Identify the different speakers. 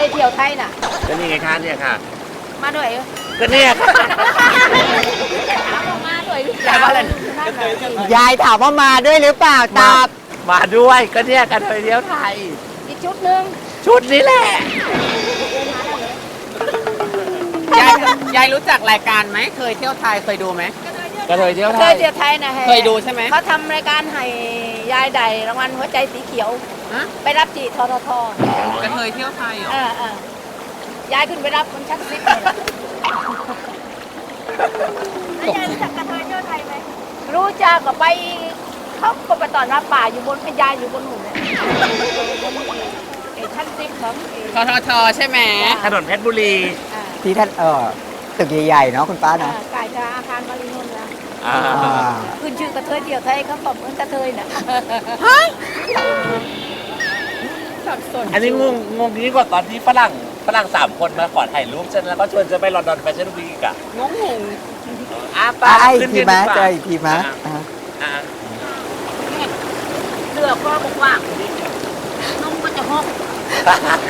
Speaker 1: ยเที่ยวไทยน่ะ
Speaker 2: ก็นี่ไงคะเนี่ยค่ะ
Speaker 1: มาด้วยเหรอ
Speaker 2: ก็เนี่ยค่ะ
Speaker 1: ถามว่ามาด้วยหรือเปล่านั่นน่ะ
Speaker 3: ยายถามว่ามาด้วยหรือเปล่าตอบ
Speaker 2: มาด้วยก็เนี่ยกระเทยเที่ยวไทย
Speaker 1: อีกชุดหนึ่ง
Speaker 2: ชุดนี้แหละ
Speaker 4: ยายรู้จักรายการไหมเคยเที่ยวไทยเคยดูไหม
Speaker 2: กระเทยเที่ยวไท
Speaker 1: เค
Speaker 2: ย
Speaker 1: ยเที่ยวไทยนะ
Speaker 4: เคยดูใช่ไหม
Speaker 1: เขาทำรายการให้ยายใดรางวัลหัวใจสีเขียว
Speaker 4: ฮะ
Speaker 1: ไปรับจีททท
Speaker 4: กระเทยเที่ยวไทยเหรอ
Speaker 1: ยายขึ้นไปรับคนชักซิปเลยนะยายรู้จักกระเทยเที่ยวไทยไหมรู้จักก็ไปเขาก็ไปตอนรับป่าอยู่บนยายอยู่บนหุ่นเนี่ยไอ้ชักซิปของ
Speaker 4: ทททใช่ไหม
Speaker 2: ถนนเพชรบุรี
Speaker 3: ที่ท่านตึกใหญ่ๆเนาะคุณป้าเนาะ
Speaker 1: กายจะอาคารมารินนท์นะ
Speaker 2: อ่า
Speaker 1: ขึ้นชื่อกระเทยเที่ยวไทยเขาบอกเหมือนกระเทยน่ะ
Speaker 4: สับสน
Speaker 2: อันนี้งงยิ่งกว่าตอนที่ฝรั่ง3 คนมาขอถ่ายรูปฉันแล้วก็ชวนจะไปลอนดอนแฟชั่นวีคอะ
Speaker 4: งงหง
Speaker 2: ป้า
Speaker 3: อี
Speaker 2: ขึ้
Speaker 3: ก
Speaker 2: น
Speaker 3: ที
Speaker 2: เรียน
Speaker 3: มะ
Speaker 2: ดีกว่า
Speaker 3: เจออีกทีมะอ่า
Speaker 1: เลือกก็บอกว่านุ่มก็จะหก